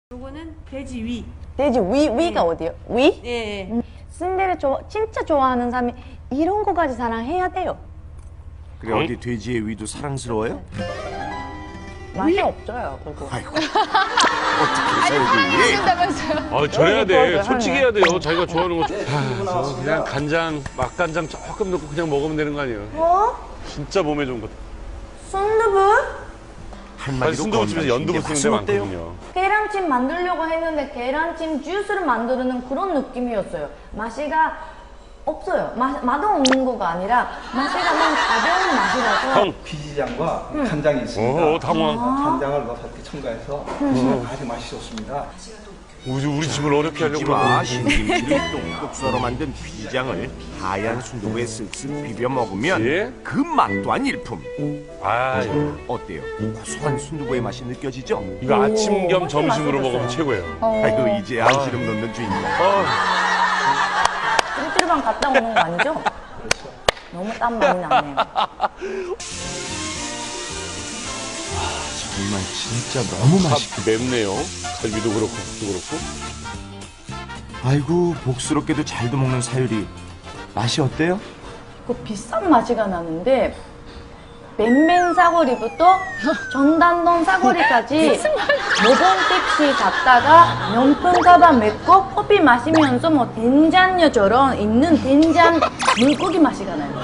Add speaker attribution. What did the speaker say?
Speaker 1: 요거는 돼지 위.
Speaker 2: 돼지 위가 어디요? 위?
Speaker 1: 예.
Speaker 2: 순대를 진짜 좋아하는 사람이 이런 거까지 사랑해야 돼요.
Speaker 3: 그래 어디 돼지의 위도 사랑스러워요?
Speaker 2: 맛이 없어요, 그거.
Speaker 3: 아이고 어떻게 살지?
Speaker 4: 아, 저래야 돼.
Speaker 2: 그러게,
Speaker 4: 솔직히
Speaker 2: 하네.
Speaker 4: 해야 돼요. 자기가 좋아하는 거. 저 그냥 간장, 맛간장 조금 넣고 그냥 먹으면 되는 거 아니에요?
Speaker 2: 어?
Speaker 4: 진짜 몸에 좋은 거.
Speaker 2: 순두부?
Speaker 4: 사실
Speaker 3: 한마디로
Speaker 4: 순두부집에서 연두부 쓰는 데
Speaker 3: 어때요?
Speaker 4: 많거든요.
Speaker 2: 계란찜 만들려고 했는데 계란찜 주스를 만드는 그런 느낌이었어요. 맛이가 없어요. 맛없는 거가 아니라 맛이가 너무 가벼운 맛이라서.
Speaker 4: 형.
Speaker 5: 피지장과 간장이 있습니다.
Speaker 4: 오, 당황.
Speaker 5: 간장을 넣어서 이렇게 첨가해서 아주 맛이 좋습니다.
Speaker 4: 우리 집을 어렵게 하려고
Speaker 3: 김치와
Speaker 4: 그러고.
Speaker 3: 신김치를 뚝뚝 썰어 만든 비장을 하얀 순두부에 쓱쓱 비벼 먹으면
Speaker 4: 예?
Speaker 3: 그 맛 또한 일품.
Speaker 4: 아,
Speaker 3: 어때요? 고소한 순두부의 맛이 느껴지죠?
Speaker 4: 이거 아침 겸
Speaker 2: 훨씬
Speaker 4: 점심으로
Speaker 2: 맛있었어요.
Speaker 4: 먹으면 최고예요.
Speaker 3: 아이고 이제 안시름 놓는 주인공.
Speaker 2: 찜질방 갔다 오는 거 아니죠? 너무 땀 많이 나네요.
Speaker 3: 정말 진짜 너무 맛있게.
Speaker 4: 맵네요. 갈비도 그렇고, 국도 그렇고.
Speaker 3: 아이고 복스럽게도 잘도 먹는 사유리. 맛이 어때요?
Speaker 2: 그 비싼 맛이가 나는데 맨맨 사거리부터 전단동 사거리까지 모던 택시 잡다가 명품 가방 메고 커피 마시면서 뭐 된장녀처럼 있는 된장 물고기 맛이가 나요.